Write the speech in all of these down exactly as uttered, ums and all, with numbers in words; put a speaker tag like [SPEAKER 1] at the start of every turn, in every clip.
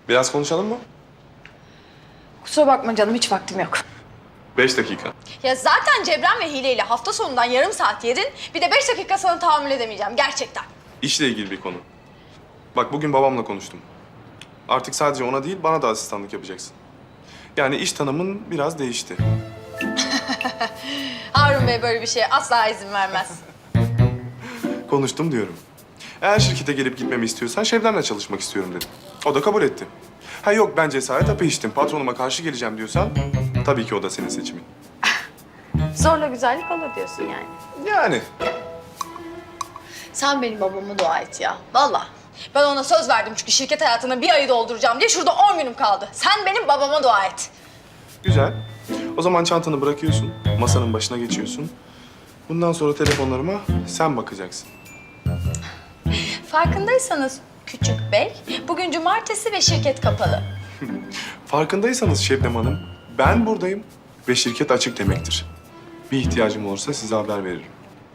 [SPEAKER 1] Biraz konuşalım mı?
[SPEAKER 2] Kusura bakma canım, hiç vaktim yok.
[SPEAKER 1] Beş dakika.
[SPEAKER 2] Ya zaten Cebren ve Hile ile hafta sonundan yarım saat yedin. Bir de beş dakika sana tahammül edemeyeceğim gerçekten.
[SPEAKER 1] İşle ilgili bir konu. Bak bugün babamla konuştum. Artık sadece ona değil bana da asistanlık yapacaksın. Yani iş tanımın biraz değişti.
[SPEAKER 2] Harun Bey böyle bir şeye asla izin vermez.
[SPEAKER 1] Konuştum diyorum. Eğer şirkete gelip gitmemi istiyorsan Şebnem'le çalışmak istiyorum dedim. O da kabul etti. Ha yok ben cesaret hapı içtim, patronuma karşı geleceğim diyorsan tabii ki o da senin seçimin.
[SPEAKER 2] Zorla güzellik olur diyorsun yani.
[SPEAKER 1] Yani.
[SPEAKER 2] Sen benim babama dua et ya. Vallahi. Ben ona söz verdim çünkü şirket hayatına bir ayı dolduracağım diye şurada on günüm kaldı. Sen benim babama dua et.
[SPEAKER 1] Güzel. O zaman çantanı bırakıyorsun, masanın başına geçiyorsun. Bundan sonra telefonlarıma sen bakacaksın.
[SPEAKER 2] Farkındaysanız küçük bey, bugün cumartesi ve şirket kapalı.
[SPEAKER 1] Farkındaysanız Şebnem Hanım, ben buradayım ve şirket açık demektir. Bir ihtiyacım olursa size haber veririm.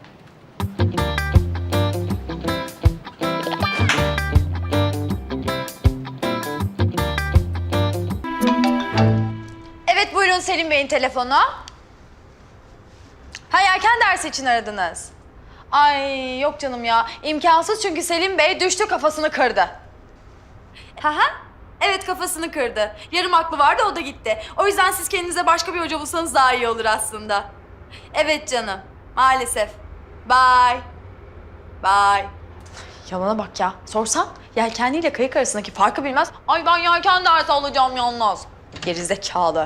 [SPEAKER 2] Evet buyurun Selim Bey'in telefonu. Ha erken ders için aradınız. Ay yok canım ya. İmkansız çünkü Selim Bey düştü kafasını kırdı. Ha ha. Evet kafasını kırdı. Yarım aklı vardı o da gitti. O yüzden siz kendinize başka bir hoca bulsanız daha iyi olur aslında. Evet canım. Maalesef. Bye. Bye. Yalana bak ya. Sorsan yelkenliyle kayık arasındaki farkı bilmez. Ay ben yelken dersi alacağım yalnız. Gerizekalı.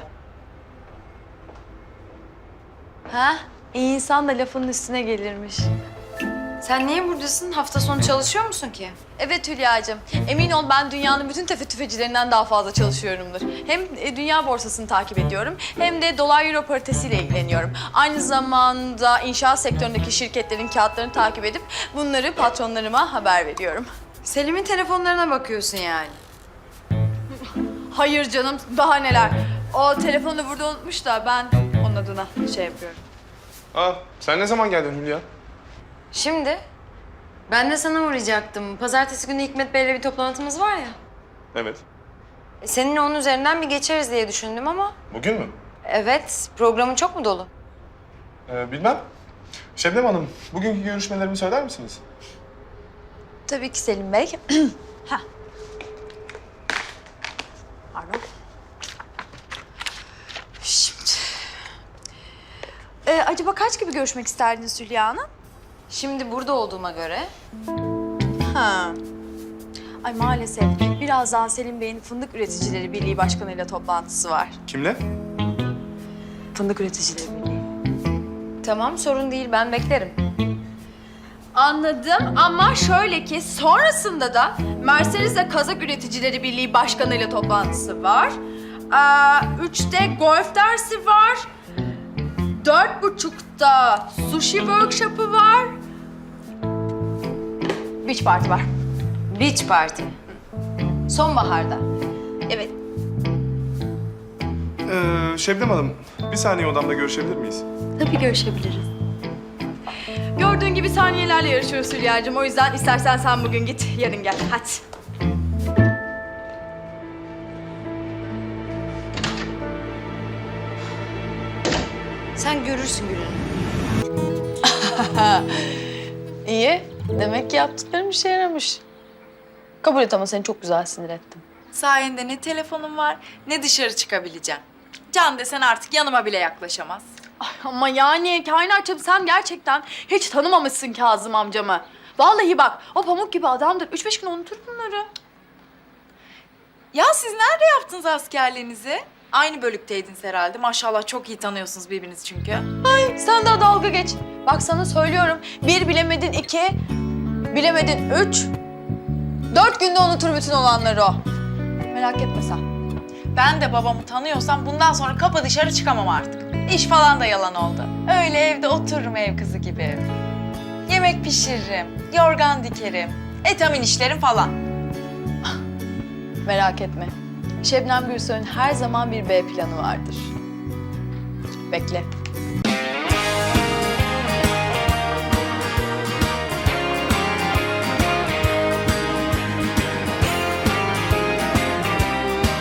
[SPEAKER 2] Ha? İyi insan da lafının üstüne gelirmiş.
[SPEAKER 3] Sen niye buradasın? Hafta sonu çalışıyor musun ki?
[SPEAKER 2] Evet Hülya'cığım. Emin ol ben dünyanın bütün tefe tüfecilerinden daha fazla çalışıyorumdur. Hem e, dünya borsasını takip ediyorum hem de dolar euro paritesiyle ilgileniyorum. Aynı zamanda inşaat sektöründeki şirketlerin kağıtlarını takip edip bunları patronlarıma haber veriyorum.
[SPEAKER 3] Selim'in telefonlarına bakıyorsun yani.
[SPEAKER 2] Hayır canım daha neler. O telefonu burada unutmuş da ben onun adına şey yapıyorum.
[SPEAKER 1] Aa, sen ne zaman geldin Hülya?
[SPEAKER 3] Şimdi ben de sana uğrayacaktım. Pazartesi günü Hikmet Bey'le bir toplantımız var ya.
[SPEAKER 1] Evet.
[SPEAKER 3] E, Seninle onun üzerinden bir geçeriz diye düşündüm ama...
[SPEAKER 1] Bugün mü?
[SPEAKER 3] Evet, programın çok mu dolu?
[SPEAKER 1] Ee, bilmem. Şebnem Hanım, bugünkü görüşmelerimi söyler misiniz?
[SPEAKER 2] Tabii ki Selim Bey. Heh. Pardon. Şimdi. Ee, acaba kaç gibi görüşmek isterdiniz Hülya Hanım?
[SPEAKER 3] Şimdi burada olduğuma göre...
[SPEAKER 2] Ha. Ay maalesef birazdan Selim Bey'in Fındık Üreticileri Birliği Başkanı'yla toplantısı var.
[SPEAKER 1] Kimle?
[SPEAKER 2] Fındık Üreticileri Birliği.
[SPEAKER 3] Tamam, sorun değil. Ben beklerim.
[SPEAKER 2] Anladım ama şöyle ki sonrasında da Mercedes'le Kazak Üreticileri Birliği Başkanı'yla toplantısı var. Ee, üçte golf dersi var. Dört buçukta sushi workshop'ı var. Beach party var.
[SPEAKER 3] Beach Party. Sonbaharda.
[SPEAKER 2] Evet.
[SPEAKER 1] Ee, Şebnem Hanım, bir saniye odamda görüşebilir miyiz?
[SPEAKER 2] Tabii görüşebiliriz. Gördüğün gibi saniyelerle yarışıyoruz Hülya'cığım. O yüzden istersen sen bugün git, yarın gel. Hadi.
[SPEAKER 3] Sen görürsün gününü.
[SPEAKER 2] İyi. Demek ki yaptıklarım işe yaramış. Kabul et ama seni çok güzel sinir ettim.
[SPEAKER 4] Sayende ne telefonum var ne dışarı çıkabileceğim. Can desen artık yanıma bile yaklaşamaz.
[SPEAKER 2] Ay ama yani kainatçım sen gerçekten hiç tanımamışsın Kazım amcamı. Vallahi bak o pamuk gibi adamdır. Üç beş gün unutur bunları.
[SPEAKER 4] Ya siz nerede yaptınız askerliğinizi? Aynı bölükteydiniz herhalde. Maşallah çok iyi tanıyorsunuz birbirinizi çünkü.
[SPEAKER 2] Ay sen daha dalga geç. Bak sana söylüyorum. Bir bilemedin iki, bilemedin üç. Dört günde unutur bütün olanları o. Merak etme sen.
[SPEAKER 4] Ben de babamı tanıyorsam bundan sonra kapı dışarı çıkamam artık. İş falan da yalan oldu. Öyle evde otururum ev kızı gibi. Yemek pişiririm, yorgan dikerim, etamin işlerim falan.
[SPEAKER 2] Merak etme. Şebnem Gürsoy'un her zaman bir B planı vardır. Bekle.